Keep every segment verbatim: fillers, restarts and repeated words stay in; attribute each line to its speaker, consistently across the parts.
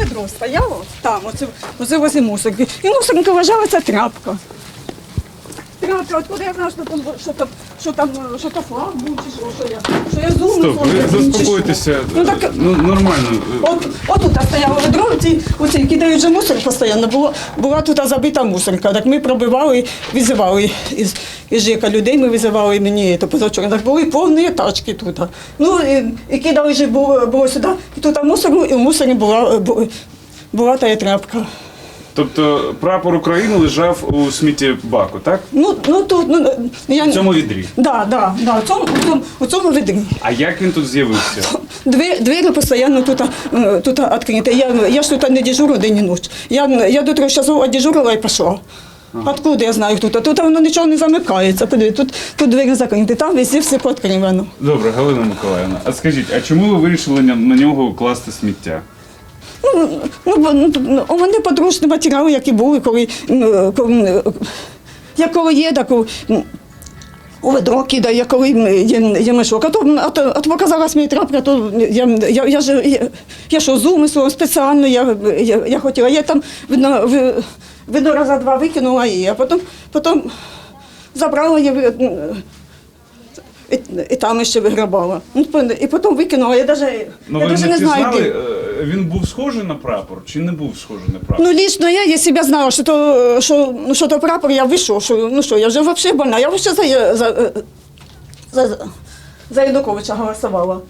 Speaker 1: відро стояло, там, оце, оце возле мусорки. І мусорка вважала, це тряпка. Тряпка, откуда я знаю, що там, що там, що там, що там флаг був, чи що, що я, що я зумну.
Speaker 2: Стоп, ви заспокойтеся.
Speaker 1: Ну, так,
Speaker 2: ну, нормально.
Speaker 1: От, отут стояло ведро, оці, оці кидають же мусор постійно, було, була тут забита мусорка. Так ми пробивали, визивали із, із ЖЕКа людей, ми визивали мені то позавчора. Так були повні тачки тут. Ну, і, і кидали же було, було сюди, і тут мусору, і в мусорі була, була, була та тряпка.
Speaker 2: Тобто прапор України лежав у сміттєбаку, так?
Speaker 1: Ну, ну тут, ну, я...
Speaker 2: У цьому відрі?
Speaker 1: Да, да, да, у цьому, у цьому, у цьому відрі.
Speaker 2: А як він тут з'явився?
Speaker 1: Двері, двері постійно тут, е, тут відкриті. Я, я ж тут не дежурю день і ніч. Я, я до трьох часов одежурила і пішла. Ага. Откуда я знаю, хто тут? Тут воно нічого не замикається. Подивіться, тут, тут двері закриті, там везде все пооткривано.
Speaker 2: Добре, Галина Миколаївна, а скажіть, а чому ви вирішили на, на нього класти сміття?
Speaker 1: Ну, ну, ну, у мене подручні матеріали, які були, коли, ну, коли, я коли є, так у, у ведро кидаю, я коли є, є мішок. А то, а то, а то показалась мені трапка, то я, я, я, ж, я, я що, з умислом спеціально, я, я, я хотіла, я там, видно, видно раза два викинула її, а потім, потім забрала її, і, і там ще виграбала. І потім викинула, я навіть
Speaker 2: Ну,
Speaker 1: я
Speaker 2: ви
Speaker 1: навіть
Speaker 2: не
Speaker 1: не знаю,
Speaker 2: пізнали,
Speaker 1: де.
Speaker 2: е, він був схожий на прапор чи не був схожий на прапор?
Speaker 1: Ну, лично я, если б я знала, что то, что, ну, что то прапор, я вышел, что, ну что, я уже вообще больна, я вообще за, за, за, за Януковича голосовала.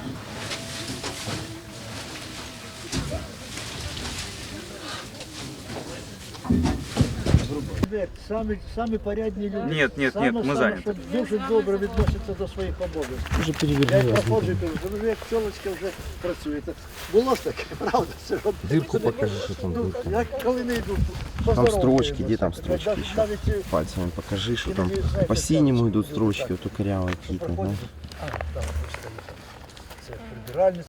Speaker 3: Самі, самі порядні люди.
Speaker 2: Ні, ні,
Speaker 3: Саме,
Speaker 2: ні, ми
Speaker 3: саме,
Speaker 2: зайняті.
Speaker 3: що дуже добре відносяться до своїх обов'язків.
Speaker 4: Уже
Speaker 3: Я
Speaker 4: перевернули.
Speaker 3: як проходжу і кажу, що ви як пчолочка вже працюєте. Було ж таке, правда? Це от-
Speaker 4: Дырку покажи, что там
Speaker 3: Ну,
Speaker 4: дырка.
Speaker 3: я коли не йду,
Speaker 4: Там
Speaker 3: поздоровкаюся.
Speaker 4: строчки, где там строчки
Speaker 3: Навіть-
Speaker 4: еще?
Speaker 3: навіть, е,
Speaker 4: Пальцами покажи, что там
Speaker 3: Иноді, знаєте,
Speaker 4: по синему
Speaker 3: так,
Speaker 4: идут строчки, вот у корявые какие-то,
Speaker 3: проходять.
Speaker 4: да?
Speaker 3: А, там, ось стоїть. Це прибиральниця.